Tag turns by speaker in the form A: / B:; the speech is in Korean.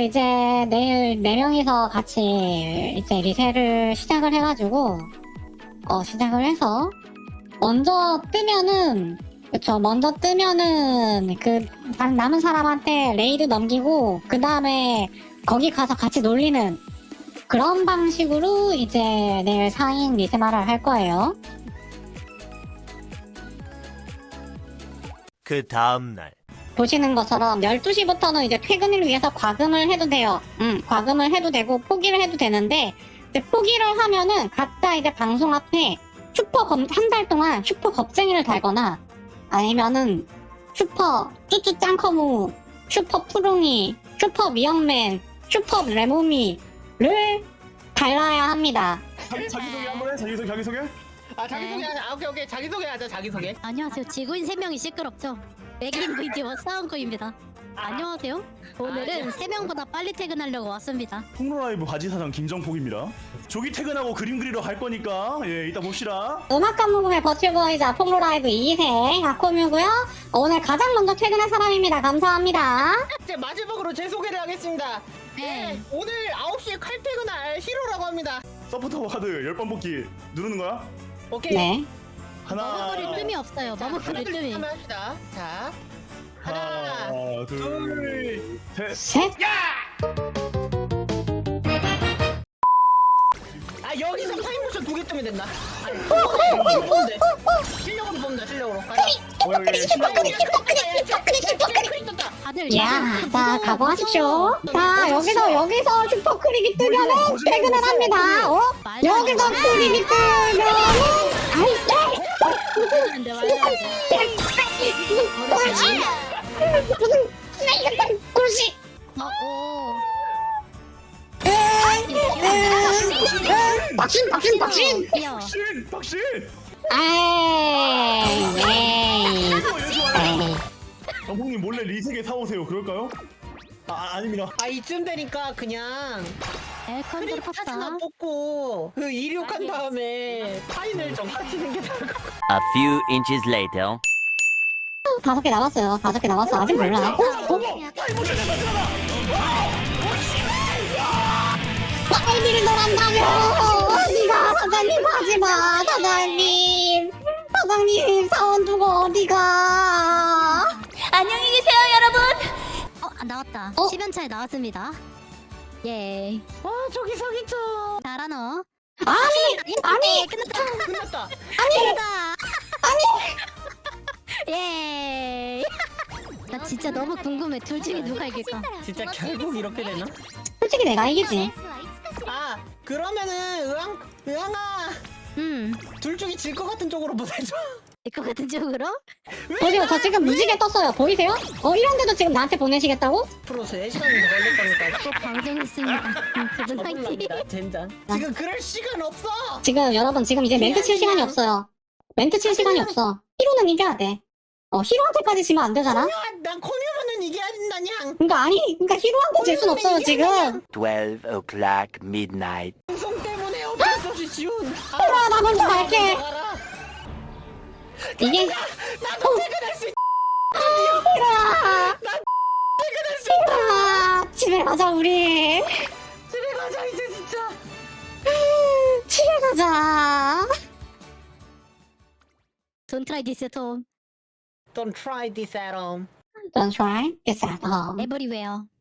A: 이제 내일 4명이서 같이 이제 리세를 시작을 해가지고, 시작을 해서, 먼저 뜨면은, 그쵸, 먼저 뜨면은, 남은 사람한테 레이드 넘기고, 그 다음에 거기 가서 같이 놀리는 그런 방식으로 이제 내일 4인 리세마를 할 거예요.
B: 그 다음날
A: 보시는 것처럼 12시부터는 이제 퇴근을 위해서 과금을 해도 돼요. 과금을 해도 되고 포기를 해도 되는데 이제 포기를 하면은 각자 이제 방송 앞에 한 달 동안 슈퍼 겁쟁이를 달거나 아니면은 슈퍼 쭈쭈 짱커무, 슈퍼 푸릉이, 슈퍼 미역맨, 슈퍼 레모미를 달라야 합니다.
C: 자기소개 한번 해. 자기소개.
D: 자기소개하자. 오케이. 자기소개하자. 자기소개.
E: 안녕하세요. 지구인 3명이 시끄럽죠? 맥인 VT와 싸움코입니다. 안녕하세요. 오늘은 3명보다 빨리 퇴근하려고 왔습니다.
C: 폭로라이브 바지사장 김정폭입니다. 조기 퇴근하고 그림 그리러 갈 거니까 이따 봅시다.
A: 음악감 모금의 버튜버이자 폭로라이브 2세 아코뮤고요. 오늘 가장 먼저 퇴근한 사람입니다. 감사합니다.
D: 이제 마지막으로 제 소개를 하겠습니다.
E: 네.
D: 오늘 9시에 칼퇴근할 히로라고 합니다.
C: 서포터 카드 10번 뽑기 누르는 거야?
D: 오케이.
A: 네.
C: 하나,
E: 머뭇거릴 뜸이 없어요. 머뭇거릴 뜸이.
D: 한번 합시다. 자, 하나,
C: 둘, 셋.
A: 셋.
D: 여기서 타임모션 2개 뜨면 된다. 아니, 실력으로 뽑는다. 실력으로. 가자.
E: 다들
A: 야, 자, 각오하십시오. 자, 여기서 슈퍼크릭이 뜨면은 퇴근을 합니다. 여기서 크릭이 뜨면은,
E: 말도 안 돼.
A: 무슨, 꿀씨. 박신.
E: 귀여워.
C: 박신.
A: 에이.
C: 정폭님 몰래 리세계 사오세요. 그럴까요? 아닙니다.
D: 이쯤 되니까 그냥
E: 엘컨드로
D: 사진
E: 팠다.
D: 안 뽑고 이륙한 다음에 파인을 좀 하시는 게 나을 것 같아요.
B: A few inches later
A: 5개 남았어요. 5개 남았어. 아직 몰라. 파이비를 너란다며! 어디가? 사장님 하지마! 사장님! 사원 두고 어디가?
E: 안녕히 계세요, 여러분. 나왔다. 10연차에 나왔습니다. 예.
D: 와, 저기 서기죠.
E: 잘하노.
A: 아니!
D: 끝났다.
E: 예. 나 진짜 너무 궁금해. 둘 중에 누가 이길까?
D: 진짜 결국 이렇게 되나?
A: 솔직히 내가 이기지.
D: 그러면은 의왕아 둘 중에 질 것 같은 쪽으로 보내줘.
E: 이거 같은 쪽으로?
A: 보세요. 저 지금 무지개 떴어요. 보이세요? 이런데도 지금 나한테 보내시겠다고?
D: 앞으로 3시간이 더 걸릴 거니까.
E: 또 방송했습니다. 두분 화이팅.
D: 억울합니다, 젠장. 지금 그럴 시간 없어.
A: 지금 여러분 지금 이제 멘트 칠 시간이 없어요. 멘트 칠 시간이 없어. 히로는 이겨야 돼. 히로한테까지 지면 안 되잖아?
D: 난 코미오는 이겨야 된다냥.
A: 그러니까 히로한테 질 순 없어요, 지금.
B: 12 o'clock midnight
D: 방송 때문에 어쩔 수 없이 지운.
A: 히로야, 나 먼저 갈게. 이게,
D: 나도 퇴근할 수 있.
A: 히로야.
D: 퇴근할 수 있다.
A: 히로야. 집에 가자, 우리.
D: 집에 가자 이제 진짜.
A: 집에 가자.
E: Don't try this at home.
D: Don't try this at home.
A: Don't try this at home.
E: Everywhere.